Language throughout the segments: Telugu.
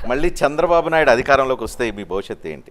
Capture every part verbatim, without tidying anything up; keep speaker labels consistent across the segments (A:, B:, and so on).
A: మళ్ళీ చంద్రబాబు నాయుడు అధికారంలోకి వస్తే మీ భవిష్యత్తు ఏంటి?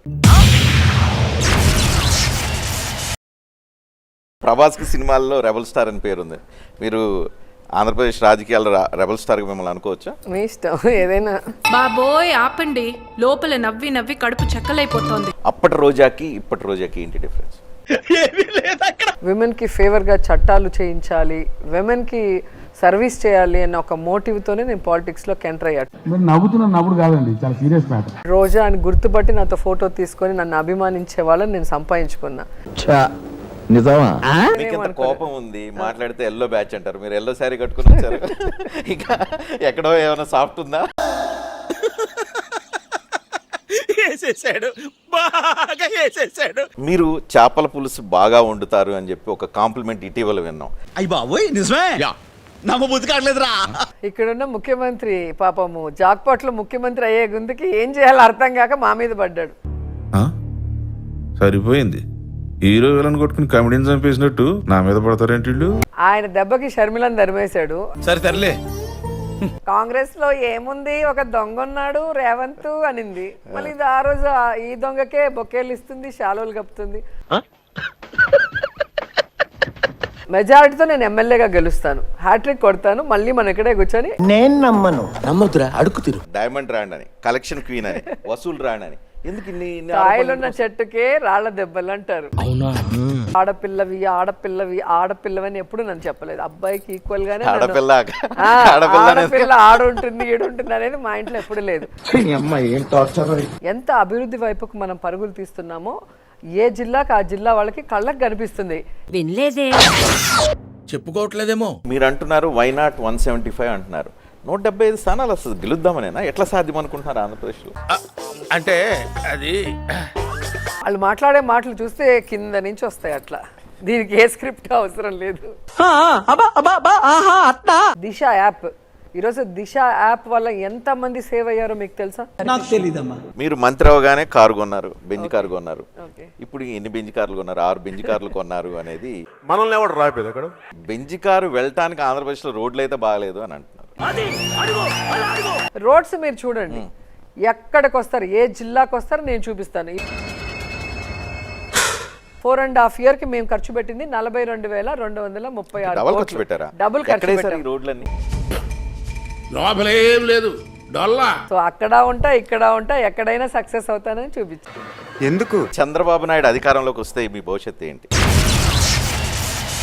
A: ప్రభాస్కి సినిమాల్లో రెబల్ స్టార్ అని పేరుంది. మీరు ఆంధ్రప్రదేశ్ రాజకీయాల్లో రెబల్ స్టార్గా మిమ్మల్ని అనుకోవచ్చా?
B: మీ ఇష్టం ఏదైనా.
C: బాబోయ్ ఆపండి, లోపల నవ్వి నవ్వి కడుపు చెక్కలైపోతోంది.
A: అప్పటి రోజాకి ఇప్పటి రోజాకి ఏంటి డిఫరెన్స్?
B: విమెన్ కి ఫేవర్ గా చట్టాలు చేయించాలి, విమెన్ కి సర్వీస్ చేయాలి అన్న ఒక మోటివ్ తోనే నేను పాలిటిక్స్ లో ఎంటర్ అయ్యాను.
D: మీరు నవ్వుతున్న నవ్వుడు కాదండి, చాలా సీరియస్ మ్యాటర్.
B: రోజా అని గుర్తుపట్టి నాతో ఫోటో తీసుకొని నన్ను అభిమానించే వాళ్ళని నేను సంపాదించుకున్నా.
E: నిజమా?
A: మీకు ఎంత కోపం ఉంది, మాట్లాడితే ఎల్లో బ్యాచ్ అంటారు, మీరు ఎల్లో శారీ కట్టుకుని వచ్చారు. ఇంకా ఎక్కడో ఏమైనా సాఫ్ట్ ఉందా? మీరు చేపల పులుసు బాగా వండుతారు అని చెప్పి ఒక కాంప్లిమెంట్ ఇటీవల విన్నాం.
F: అయ్యి బాబోయ్ నిజమే, నమ్మబుద్ధి కావట్లేదురా.
B: ఇక్కడున్న ముఖ్యమంత్రి పాపము జాక్పాట్లో ముఖ్యమంత్రి అయ్యే గుందుకి ఏం చేయాలో అర్థం కాక మా మీద పడ్డాడు.
G: సరిపోయింది, హీరో విలన్ కొట్టుకుని కమెడీని చంపేసినట్టు నా మీద పడతారేంటి?
B: ఆయన దెబ్బకి షర్మిలను ధర్మేశాడు.
F: సరే తరలే.
B: కాంగ్రెస్ లో ఏముంది, ఒక దొంగ ఉన్నాడు రేవంత్ అనింది. మళ్ళీ ఇది ఆ రోజు ఈ దొంగకే బొకేలు ఇస్తుంది, శాలువలు కప్పుతుంది. మెజారిటీతో నేను ఎమ్మెల్యేగా గెలుస్తాను, హ్యాట్రిక్ కొడతాను, మళ్ళీ మన ఇక్కడే కూర్చొని
E: నేను నమ్మను. నమ్మదురా, అడుగు తిరు.
A: డైమండ్ రాండ్ అని, కలెక్షన్ క్వీన్ అని, వసూలు రాండ్ అని, ఎందుకు ఇన్ని ఇన్ని
B: కాయలున్న చెట్టుకే రాళ్ల దెబ్బలు అంటారు. ఆడపిల్లవి ఆడపిల్లవి ఆడపిల్లవని ఎప్పుడు నన్ను చెప్పలేదు. అబ్బాయికి ఈక్వల్ గానే
A: ఆడపిల్ల
B: ఆడపిల్ల ఆడుంటుంది ఈడుంటుంది అనేది మా ఇంట్లో ఎప్పుడు లేదు. ఎంత అభివృద్ధి వైపుకు మనం పరుగులు తీస్తున్నామో ఏ జిల్లాకి ఆ జిల్లా వాళ్ళకి కళ్ళకి కనిపిస్తుంది.
C: వినలేదే,
F: చెప్పుకోవట్లేదేమో.
A: మీరు అంటున్నారు why not one seventy five అంటున్నారు. నూట డెబ్బై ఐదు స్థానాలు అసలు గెలుద్దామనేనా? ఎట్లా సాధ్యం అనుకుంటున్నారు ఆంధ్రప్రదేశ్లో?
F: అంటే అది
B: వాళ్ళు మాట్లాడే మాటలు చూస్తే కింద నుంచి వస్తాయి అట్లా. దీనికి ఏ స్క్రిప్ట్ అవసరం లేదు. దిశ యాప్, ఈరోజు దిశ యాప్ వల్ల ఎంత మంది సేవ్ అయ్యారో మీకు తెలుసా?
F: నాకు తెలీదమ్మా.
A: మీరు మంత్రి అవగానే కారు కొన్నారు, బెంజ్ కారు కొన్నారు. ఇప్పుడు ఎన్ని బెంజ్ కార్లు కొన్నారు? ఆరు బెంజ్ కార్లు కొన్నారు అనేది
G: మనల్ని ఎవడు రాయిపోయింది అక్కడ?
A: బెంజ్ కారు వెళ్ళటానికి ఆంధ్రప్రదేశ్లో రోడ్లు అయితే బాగాలేదు అని అంటున్నారు.
B: రోడ్స్ మీరు చూడండి, ఎక్కడికి వస్తారు, ఏ జిల్లాకు వస్తారు నేను చూపిస్తాను. ఫోర్ అండ్ హాఫ్ ఇయర్ కి మేము ఖర్చు పెట్టింది నలభై రెండు వేల రెండు వందల ముప్పై ఆరు
A: డబుల్ ఖర్చు పెట్టారా?
B: డబుల్ ఖర్చు పెట్టారు.
A: రోడ్లన్నీ
F: లోపలేం లేదు, డొల్లా.
B: సో అక్కడ ఉంటా ఇక్కడ ఉంటా, ఎక్కడైనా సక్సెస్ అవుతానని చూపించాను.
A: ఎందుకు చంద్రబాబు నాయుడు అధికారంలోకి వస్తే మీ భవిష్యత్తు ఏంటి?